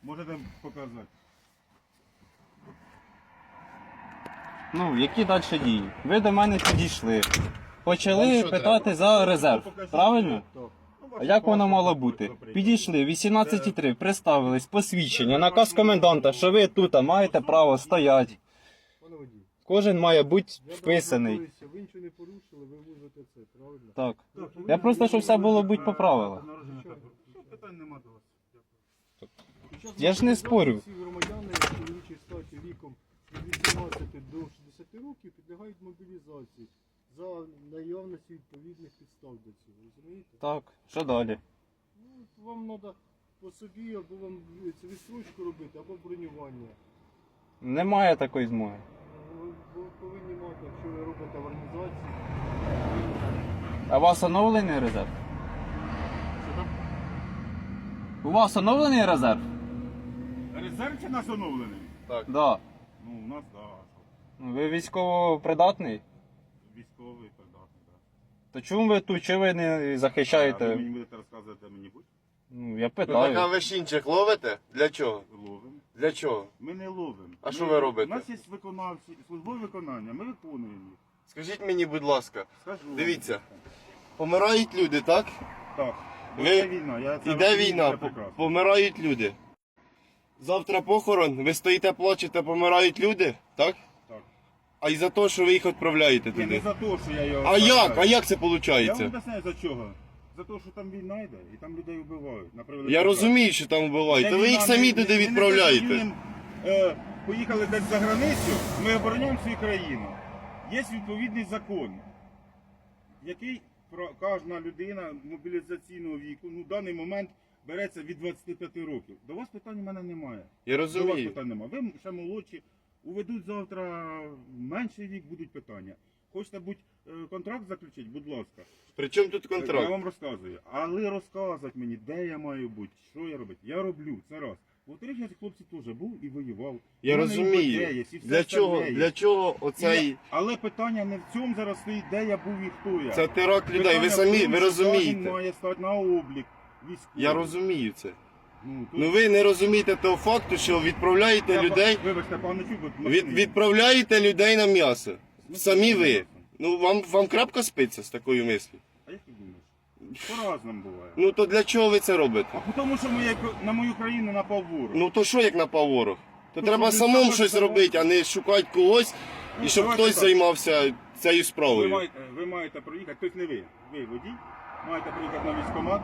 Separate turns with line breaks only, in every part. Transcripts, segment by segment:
Можете показати.
Ну, які далі дії? Ви до мене підійшли. Почали питати за резерв. Правильно? А як воно мало бути? Підійшли, 18.3, представились, посвідчення, наказ коменданта, що ви тут маєте право стояти.
Пане водій,
Кожен має бути
я
вписаний.
звертаюся, ви нічого не порушили, ви ввозите це, правильно?
Так. Я просто, щоб все було будь по правилах.
Народження так. Що, питань нема до вас. Дякую.
Я ж не спорю.
Всі громадяни в чоловічій статі віком від 18 до 60 років підлягають мобілізації за наявності відповідних підстав до цього, розумієте?
Так, що далі?
Ну, вам треба по собі, або вам це відстрочку робити, або бронювання.
Немає такої змоги.
Ви повинні мати, якщо ви робите в організації.
А у вас оновлений резерв? У вас оновлений резерв?
Резерв чи нас оновлений?
Да.
Ну, у нас, так.
Ви військово придатний?
Військовий, придатний, так.
То чому ви тут? Чи ви не
А ви
захищаєте?
мені будете розказувати, де мені будь?
Ну, я
Ви на
питаю.
вещинчик ловите? Для чого?
Ловимо.
Для чого?
Ми не ловимо.
А що ви робите?
У нас є виконавці, службове виконання, ми виконуємо їх.
Скажіть мені, будь ласка,
Скажу.
Дивіться. помирають люди, так?
Так.
Ви-
Іде війна.
Іде
розумію,
війна,
це прекрасно.
помирають люди. Завтра похорон, ви стоїте, плачете, помирають люди, так?
Так.
А й за те, що ви їх відправляєте
Ні, не
туди.
за те, що я його...
А як?
відправляю.
А як це
Я вам
виходить?
об'ясняю за чого. За те, що там війна йде, і там людей вбивають. на превеликий
Я
жаль.
розумію, що там вбивають,
Де
то ви їх
війна,
самі
ми-
туди
ми не
відправляєте.
воюємо, поїхали десь за границю, ми обороняємо свою країну. Є відповідний закон, який кожна людина мобілізаційного віку, ну в даний момент береться від 25 років. До вас питань у мене немає.
Я
До вас
розумію.
питань немає. Ви ще молодші, уведуть завтра менший вік, будуть питання. Хочете контракт заключити, будь ласка.
При чому тут
Я
контракт?
вам розказую. Але розказувати мені, де я маю бути, що я робити. Я роблю, це раз. Во-вторых, я хлопці теж був і воював.
Я
У мене і
розумію.
ідея є, і все
Для чого?
остальне є.
Для чого оцей...
Але питання не в цьому зараз стоїть, де я був і хто я.
Це теракт людей,
Питання
ви
в
самі,
тому,
ви
що
розумієте.
Він має стати на облік військовий.
Я розумію це.
Ну,
Ну ви не розумієте того факту, що відправляєте людей,
Вибачте, пане Чуб,
відправляєте людей на м'ясо. Самі ви. Ну вам крапка спиться з такою мислю.
А як ти думаєш? По-разному буває.
Ну то для чого ви це робите?
А тому, що на мою країну напав ворог.
Ну то що як напав ворог? То
Ну,
треба
щоб
самому
він
щось
сам
робити, а не шукати когось
Ну,
і щоб
давайте
хтось
так.
займався цією справою.
Ви маєте проїхати, тобто не ви, ви водій, маєте проїхати на військкомат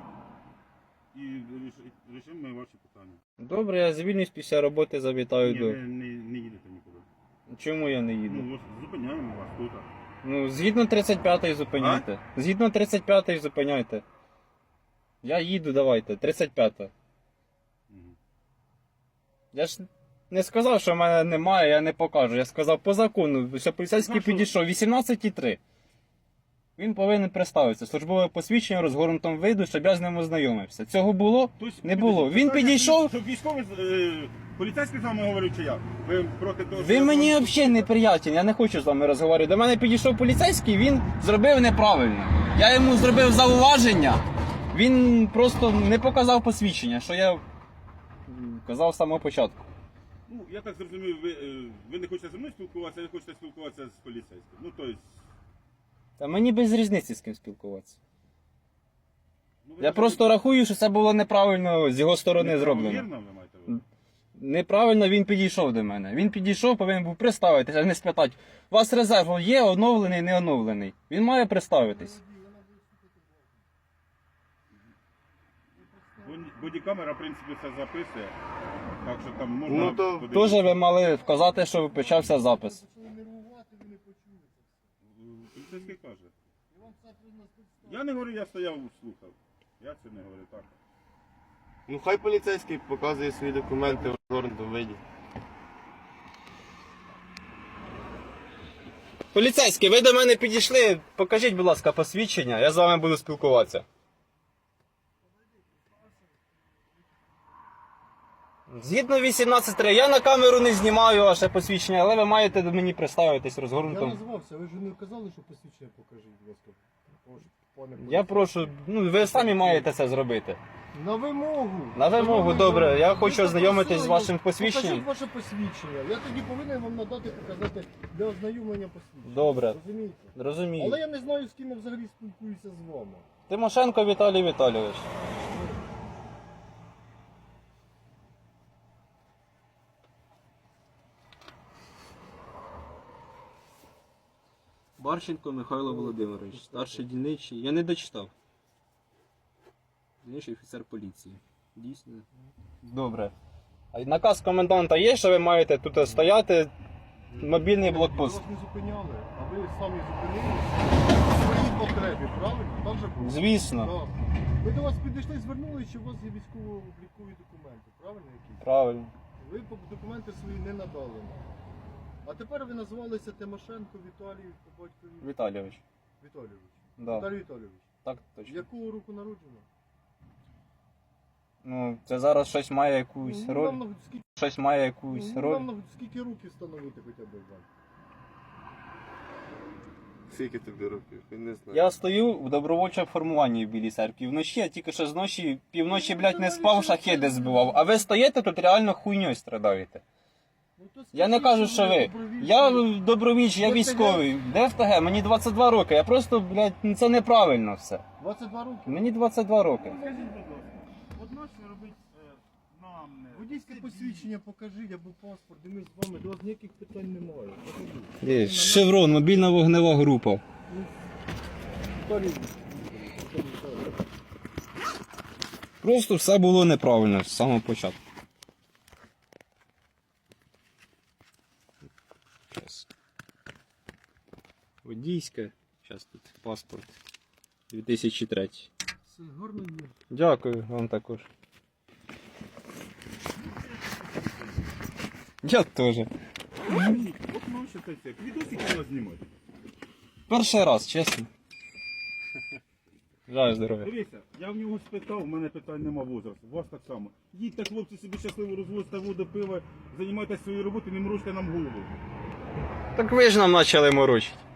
і рішимо ми ваші питання.
Добре, я звільнюсь після роботи, завітаю
Ні,
до.
ви не їдете нікуди.
Чому я не їду?
Ну, ось зупиняємо вас тут.
Ну, згідно 35-ї зупиняйте. Згідно 35-ї зупиняйте. Я їду, давайте, 35-та.
Мгм.
Я ж не сказав, що в мене немає, я не покажу. Я сказав по закону, що поліцейський
Ну, що?
підійшов 18.3. Він повинен представитися. Службове посвідчення розгорнутому виду, щоб я з ним ознайомився. Цього було?
Тобто,
Не було. Він
питання,
підійшов.
Щоб військовий, поліцейський з вами говорив, чи я? Ви проти того, що
Ви
я
мені
з вами-
взагалі неприятен, я не хочу з вами розговорювати. До мене підійшов поліцейський, він зробив неправильно. Я йому зробив зауваження, він просто не показав посвідчення, що я казав з самого початку.
Ну, я так зрозумів, ви не хочете зі мною спілкуватися, ви хочете спілкуватися з поліцейським. Ну, тобто...
Та мені без різниці з ким спілкуватися.
Ну, ви
Я просто рахую, що це було неправильно з його сторони зроблено.
Вірно, ви маєте виявити?
Неправильно він підійшов до мене. Він підійшов, повинен був представитися, а не спитати. У вас резерв є оновлений, не оновлений. Він має представитись.
Бодікамера, в принципі, все записує. Так що там можна...
Ну, то
подивитися.
Теж ви мали вказати, що почався запис.
Почали нервувати, ви не почули це все.
Поліцейський каже.
І вам це прийняли підстави.
Я не говорю, я стояв, слухав. Я це не говорю так.
Ну хай поліцейський показує свої документи в розгорнутому виді.
Поліцейський, ви до мене підійшли. Покажіть, будь ласка, посвідчення, я з вами буду спілкуватися. Згідно 18.3, я на камеру не знімаю ваше посвідчення, але ви маєте до мені представитись
Я
розгорнутим.
назвався, ви ж не казали, що посвідчення покажіть, будь ласка. Пане
Я прошу, ну ви самі маєте це зробити.
На вимогу.
На вимогу,
Шановний
добре.
громадянин,
Я
ви
хочу ознайомитись з вашим посвідченням.
Покажіть ваше посвідчення. Я тоді повинен вам надати, показати для ознайомлення посвідчення.
Добре.
Розумієте?
Розумію.
Але я не знаю, з ким я взагалі спілкуюся з вами.
Тимошенко Віталій Віталійович. Барченко Михайло Володимирович, старший дільничий. Я не дочитав. Дільничий офіцер поліції. Дійсно. Добре. А наказ коменданта є, що ви маєте тут стояти? Мобільний блокпост.
Вас не зупиняли, а ви самі зупинилися в своїй потребі, правильно? Так же було?
Звісно.
Так. Ми до вас підійшли, звернулися, що у вас є військово-облікові документи, правильно якісь?
Правильно.
Ви документи свої не надали нам. А тепер ви називалися Тимошенко Віталій по батькові
Віталійович.
Віталійович.
Да.
Віталій Віталійович.
Так точно.
Якого року народження?
Ну, це зараз щось має якусь
Ну,
роль.
нам на- скільки,
Щось має якусь роль.
нам на- скільки років встановити хоча б вам?
Скільки тобі років? Я не знаю.
Я стою в добровольчому формуванні в Білій церкві. Вночі, я тільки що з ночі, півночі, блядь, не спав, шахеди збивав. А ви стоїте тут реально хуйньою страдаєте.
Ну, то
Я не
скажіть,
кажу, що ви.
добровільці.
Я добровіч, я
ДФТГ?
військовий. ДФТГ, мені 22 роки. Я просто, блядь, ну, це неправильно все.
22 роки.
Мені 22 роки.
Скажіть, будь ласка, от нащо робити нам не...
Водійське посвідчення покажіть або паспорт, і ми з вами, до вас ніяких питань немає. Покажіть.
Є, Шеврон, мобільна вогнева група.
Віталій Віталійович.
Просто все було неправильно з самого початку. Щас. Водійське. Зараз тут паспорт. 2003.
Все гарно є.
Дякую вам також. Я теж.
От нащо це все? Відосики треба знімати.
Перший раз, чесно. Жаль здоров'я.
Дивіться, я в нього спитав, в мене питань нема возрасту, у вас так само. Їдьте, хлопці, собі щасливо розвозьте воду, пиво, займайтеся своєю роботою, не морочте нам голову.
Так ви ж нам почали морочити.